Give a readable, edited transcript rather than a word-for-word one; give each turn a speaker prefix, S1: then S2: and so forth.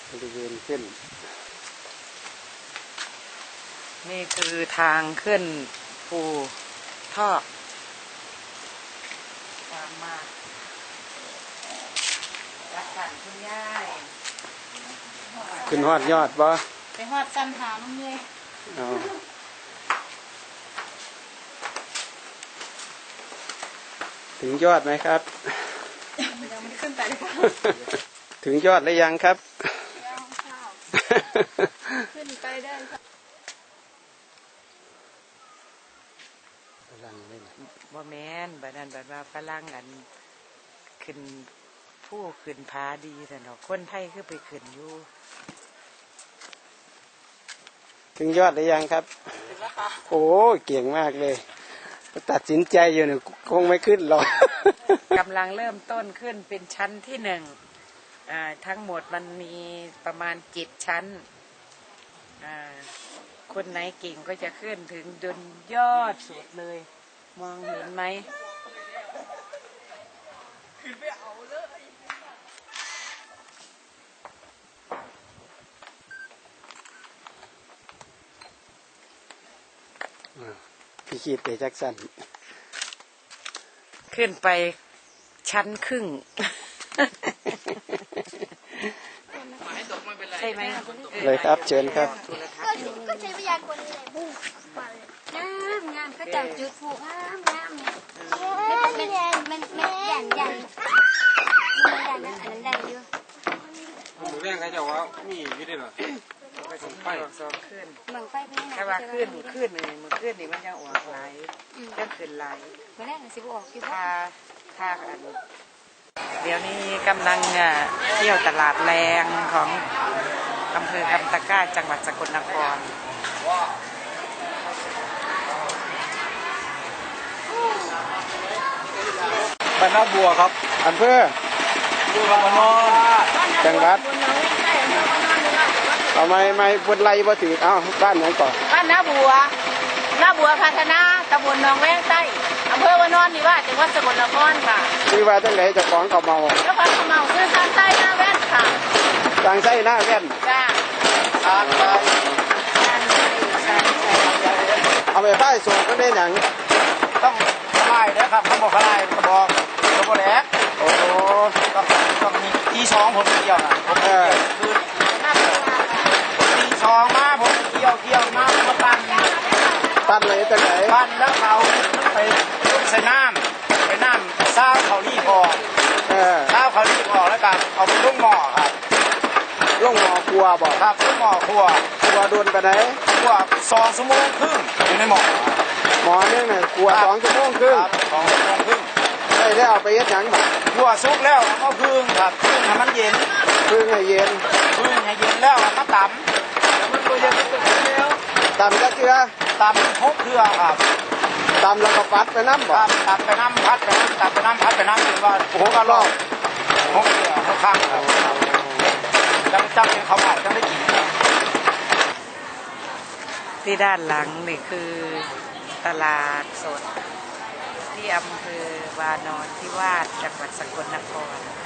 S1: บริเวณขึ้น
S2: นี่คือทางขึ้นภูทอกตามมารักกันคุณย่าย
S1: ขึ้นฮอดยอดบ่
S2: ไปฮอดกันหาลุงเลย
S1: ถึงยอดไหมครับ
S2: ยังไม่ได้ขึ้นไปเลย
S1: ถึงยอดหรือยังครับ
S2: ยังค่ะขึ้นไปได้ค่ะ
S1: ฝรั่งเลย
S2: บ่แม่นบัดนั้นบัดว่าฝรั่งอันขึ้นผู้ขึ้นผาดีแต่เนาะคนไทยคือไปขึ้นอยู่
S1: ถึงยอดหรือยังครับโอ้เก่งมากเลยตัดสินใจอยู่เนี่ยคงไม่ขึ้นหรอก
S2: กำลังเริ่มต้นขึ้นเป็นชั้นที่1ทั้งหมดมันมีประมาณ7ชั้นคนไหนเก่งก็จะขึ้นถึงจนยอดสุดเลยมองเห็นไหมขึ้นไปเอา
S1: เลยพี่คิดเตจักสัน
S2: ขึ้นไปชั้นครึ่งใช่ไหม
S1: เลยครับเชิญครับ
S3: ก็ใช้วิทยากรอะไรบุ้งงามก็จับจุดผูกงามเนี่ยมันใหญ่ใหญ่ใหญ่นะอันนั้นได้อยู่
S4: หมูแดงใครจะว่ามีวิธีหรอ
S2: ไปสองขึ้น
S3: บังไฟเป็นยังไง
S2: แค่ว่าขึ้นเลยมันขึ้นนี่มันจะออกไหลจะขึ้นไหล
S3: มาแรกสิบออกคิด
S2: ว่าค่าอันเดี๋ยวนี้กำลังเที่ยวตลาดแรงของอำเภอกำตะกร้าจังหวัดสกลนคร
S1: บ้านนาบัวครับอำเภอ
S4: บัวพนอน
S1: จังหวัดทำไมไม่บนไรบ่ถือเอ้าบ้านไหนก่อน
S2: บ้านนาบัวพัฒนาตำบลหนองแวงใต้อำเภอวานอนนี่ว่าจังหวัดสกลนครค่ะ
S1: คือว่าตั้งไหนจะของเขาเมา
S2: แล้วของเขาเมาคือทางใต้หน้าแว่นค่ะ
S1: ทางใต้หน้าแว่น
S2: จ้า
S1: เอาไปป้ายส่งก็ได้หนัง
S4: ต้องพลายนะครับเขาบอกพลายกระบอกแหลก
S1: โอ้
S4: ต้องมีตีสองผมเกี่ยวนะผมคือตีสองมาผมเกี่ยวมา
S1: ตันเลยตั้งไหน
S4: ปั้นแล้วเขาไปใส่น้ำซาเขารีพอซาเขารีพอแล้วกันเอาไปลงหม้อครับ
S1: ลงหม้อครัวบอก
S4: ครับลงหม้อครัว
S1: โดนไปไหน
S4: ครัว2 ชั่วโมงครึ่งอยู่ในหม้อ
S1: นี่ไงครัว2 ชั่วโมงครึ่ง
S4: 2 ชั่วโมงครึ่ง
S1: ได้เอาไปเย็ดหยังบ่
S4: ครัวสุกแล้วก็พึ่งครับพึ่งให้มันเย็น
S1: ให้เย็น
S4: แล้วมาตำมันตัวเย็นแล้ว
S1: ตำก็เกลือ
S4: ตำทุกเครือครับ
S1: ตำแล้วก็ปัดไปน้ำบ่
S4: ตัดไปน้ำพัดไปน้ำตัดไปน้ำพัดไปน้ำจนว่าโอ้โหก็รอบทุกเครือทุกข้างครับจังเป็นเขาเผาจังได้กิน
S2: ที่ด้านหลังนี่คือตลาดสดที่อำเภอวานอนนิวาสจังหวัดสกลนคร